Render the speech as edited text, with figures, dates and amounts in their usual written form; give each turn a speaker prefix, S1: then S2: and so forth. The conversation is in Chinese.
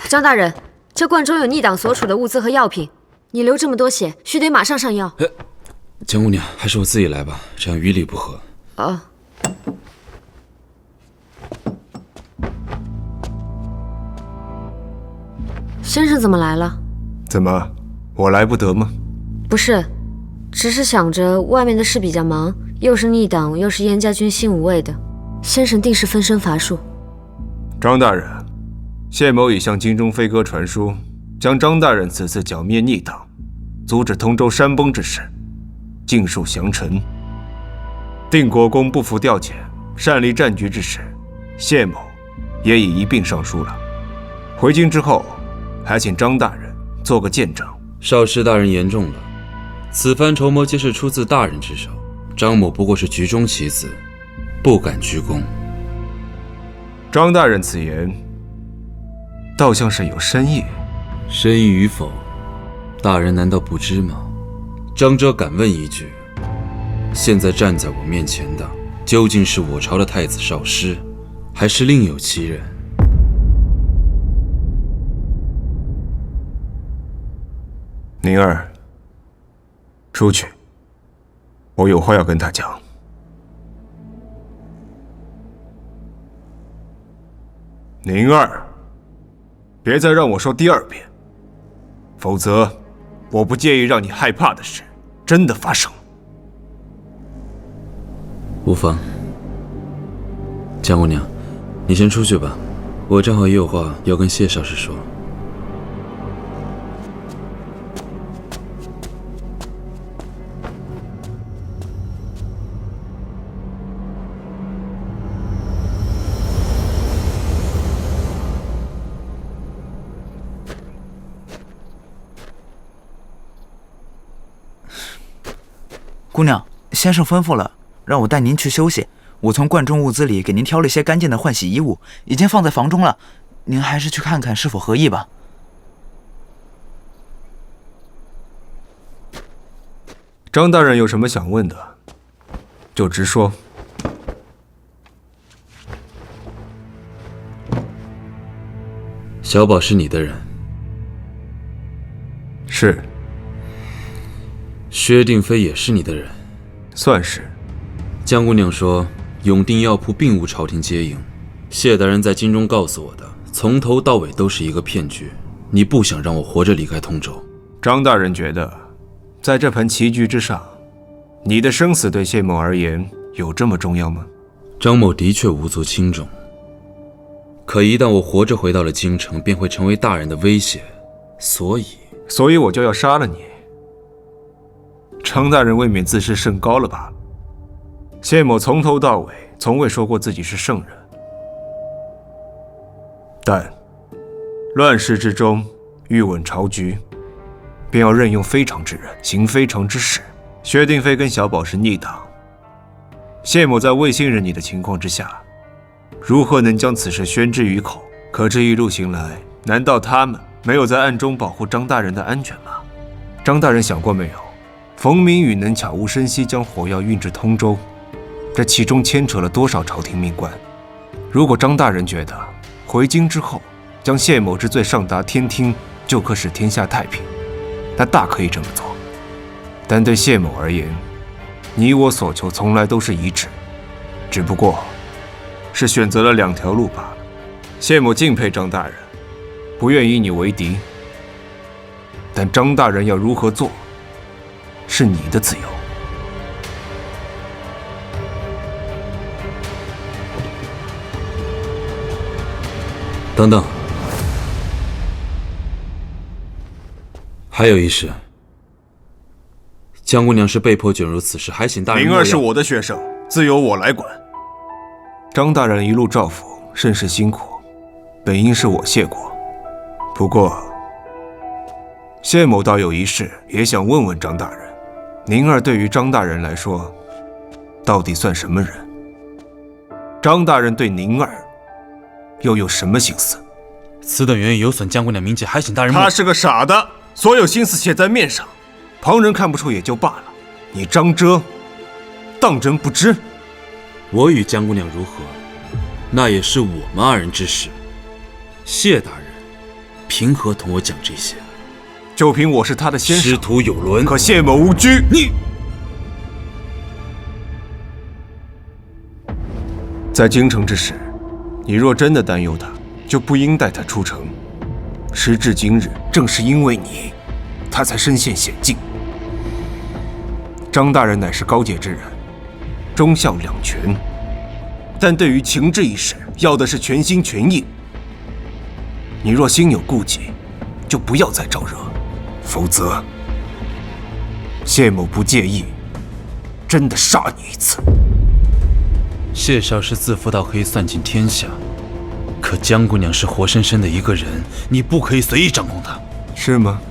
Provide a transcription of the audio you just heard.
S1: 张大人，这罐中有逆党所处的物资和药品，你流这么多血，须得马上上药。
S2: 江姑娘，还是我自己来吧，这样于理不合。
S1: 哦。先生怎么来了？
S3: 怎么，我来不得吗？
S1: 不是，只是想着外面的事比较忙，又是逆党，又是燕家军新五卫的，先生定是分身乏术。
S3: 张大人，谢某已向京中飞鸽传书，将张大人此次剿灭逆党，阻止通州山崩之事，尽数降臣。定国公不服调遣，擅离战局之事，谢某也已一并上书了。回京之后，还请张大人做个见证。
S2: 少师大人言重了，此番筹谋皆是出自大人之手，张某不过是局中棋子，不敢居功。
S3: 张大人此言，倒像是有深意。
S2: 深意与否，大人难道不知吗？张哲敢问一句，现在站在我面前的，究竟是我朝的太子少师，还是另有其人？
S3: 宁儿，出去，我有话要跟他讲。宁儿，别再让我说第二遍，否则我不介意让你害怕的事真的发生。
S2: 无妨。江姑娘，你先出去吧，我正好也有话要跟谢少师说。
S4: 姑娘，先生吩咐了，让我带您去休息。我从罐中物资里给您挑了一些干净的换洗衣物，已经放在房中了。您还是去看看是否合意吧。
S3: 张大人有什么想问的，就直说。
S2: 小宝是你的人？
S3: 是。
S2: 薛定飞也是你的人？
S3: 算是。
S2: 江姑娘说永定药铺并无朝廷接应，谢大人在京中告诉我的，从头到尾都是一个骗局。你不想让我活着离开通州？
S3: 张大人觉得，在这盘棋局之上，你的生死对谢某而言有这么重要吗？
S2: 张某的确无足轻重，可一旦我活着回到了京城，便会成为大人的威胁，所以
S3: 我就要杀了你。张大人未免自视甚高了吧？谢某从头到尾从未说过自己是圣人，但乱世之中欲稳朝局，便要任用非常之人，行非常之事。薛定飞跟小宝是逆党，谢某在未信任你的情况之下，如何能将此事宣之于口？可这一路行来，难道他们没有在暗中保护张大人的安全吗？张大人想过没有，冯明宇能悄无声息将火药运至通州，这其中牵扯了多少朝廷命官？如果张大人觉得回京之后将谢某之罪上达天听，就可使天下太平，那大可以这么做。但对谢某而言，你我所求从来都是一致，只不过是选择了两条路罢了。谢某敬佩张大人，不愿以你为敌，但张大人要如何做，是你的自由。
S2: 等等，还有一事，江姑娘是被迫卷入此事，还请大人。
S3: 灵儿是我的学生，自由我来管。张大人一路照拂，甚是辛苦，本应是我谢过。不过，谢某倒有一事也想问问张大人：宁儿对于张大人来说，到底算什么人？张大人对宁儿又有什么心思？
S5: 此等原因有损江姑娘名节，还请大人。
S3: 他是个傻的，所有心思写在面上，旁人看不出也就罢了，你张哲当真不知？
S2: 我与江姑娘如何，那也是我们二人之事。谢大人凭何同我讲这些？
S3: 就凭我是他的先生，
S2: 师徒有伦，
S3: 可谢某无拘。
S2: 你
S3: 在京城之时，你若真的担忧他，就不应带他出城。时至今日，正是因为你，他才身陷险境。张大人乃是高洁之人，忠孝两全，但对于情志一事，要的是全心全意。你若心有顾忌，就不要再招惹，否则谢某不介意真的杀你一次。
S5: 谢少师自负到可以算尽天下，可江姑娘是活生生的一个人，你不可以随意掌控她。
S3: 是吗？